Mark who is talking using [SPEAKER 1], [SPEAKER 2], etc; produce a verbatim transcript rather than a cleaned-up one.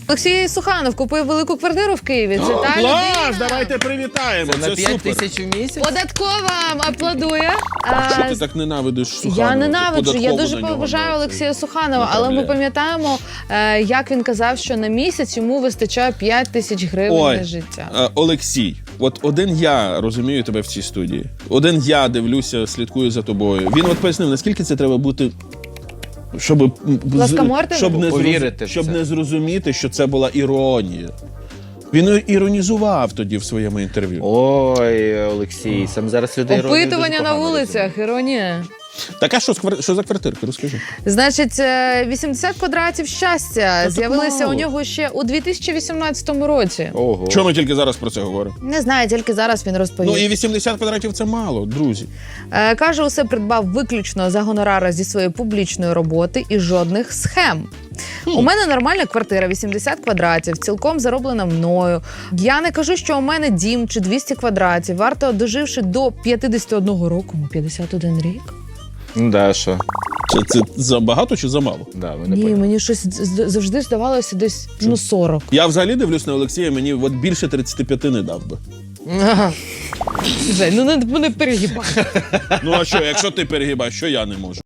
[SPEAKER 1] Олексій Суханов купив велику квартиру в Києві. Це та
[SPEAKER 2] Клас!
[SPEAKER 1] людина.
[SPEAKER 2] Давайте привітаємо.
[SPEAKER 3] Це
[SPEAKER 2] Це,
[SPEAKER 3] на п'ять
[SPEAKER 2] супер.
[SPEAKER 3] тисяч в місяць?
[SPEAKER 1] Податкова аплодує.
[SPEAKER 2] А що
[SPEAKER 1] А,
[SPEAKER 2] ти так ненавидиш Суханова?
[SPEAKER 1] Я ненавиджу, я
[SPEAKER 2] Податково
[SPEAKER 1] дуже
[SPEAKER 2] на нього
[SPEAKER 1] поважаю
[SPEAKER 2] на
[SPEAKER 1] Олексія
[SPEAKER 2] це
[SPEAKER 1] Суханова, але ми
[SPEAKER 2] направляє.
[SPEAKER 1] пам'ятаємо, е, як він казав, що на місяць йому вистачає п'ять тисяч гривень
[SPEAKER 2] Ой,
[SPEAKER 1] на життя.
[SPEAKER 2] е, Олексій, от один я розумію тебе в цій студії. Один я дивлюся, слідкую за тобою. Він от пояснив, наскільки це треба бути, щоб, м, з-
[SPEAKER 1] Ласкомордим?
[SPEAKER 2] щоб, не,
[SPEAKER 3] Повірити
[SPEAKER 2] зроз-
[SPEAKER 3] в
[SPEAKER 2] щоб
[SPEAKER 3] це.
[SPEAKER 2] не зрозуміти, що це була іронія. Він іронізував тоді в своєму інтерв'ю.
[SPEAKER 3] Ой, Олексій, сам зараз людей іронію дуже
[SPEAKER 1] Опитування на
[SPEAKER 3] погано
[SPEAKER 1] вулицях, іронія.
[SPEAKER 2] Так а що, з квар- що за квартирки? Розкажи.
[SPEAKER 1] Значить, е, вісімдесят квадратів щастя
[SPEAKER 2] так
[SPEAKER 1] з'явилися
[SPEAKER 2] мало.
[SPEAKER 1] у нього ще у дві тисячі вісімнадцятому році.
[SPEAKER 3] Ого.
[SPEAKER 2] Чому ми тільки зараз про це говоримо?
[SPEAKER 1] Не знаю, тільки зараз він розповів.
[SPEAKER 2] Ну і вісімдесят квадратів це мало, друзі.
[SPEAKER 1] Е, Каже, усе придбав виключно за гонорари зі своєї публічної роботи і жодних схем. У мене нормальна квартира, вісімдесят квадратів, цілком зароблена мною. Я не кажу, що у мене дім чи двісті квадратів. Варто, доживши до п'ятдесят одного року, ну, п'ятдесят один рік.
[SPEAKER 3] Ну да, що?
[SPEAKER 2] Це, це забагато чи замало?
[SPEAKER 3] Да, ви не
[SPEAKER 1] Ні,
[SPEAKER 3] поняли.
[SPEAKER 1] мені щось з- завжди здавалося десь ну сорок.
[SPEAKER 2] Я взагалі дивлюсь на Олексія, мені от більше тридцять п'ять не дав би.
[SPEAKER 1] Жень, ну не, не перегибай.
[SPEAKER 2] Ну а що, якщо ти перегибаєш, що я не можу?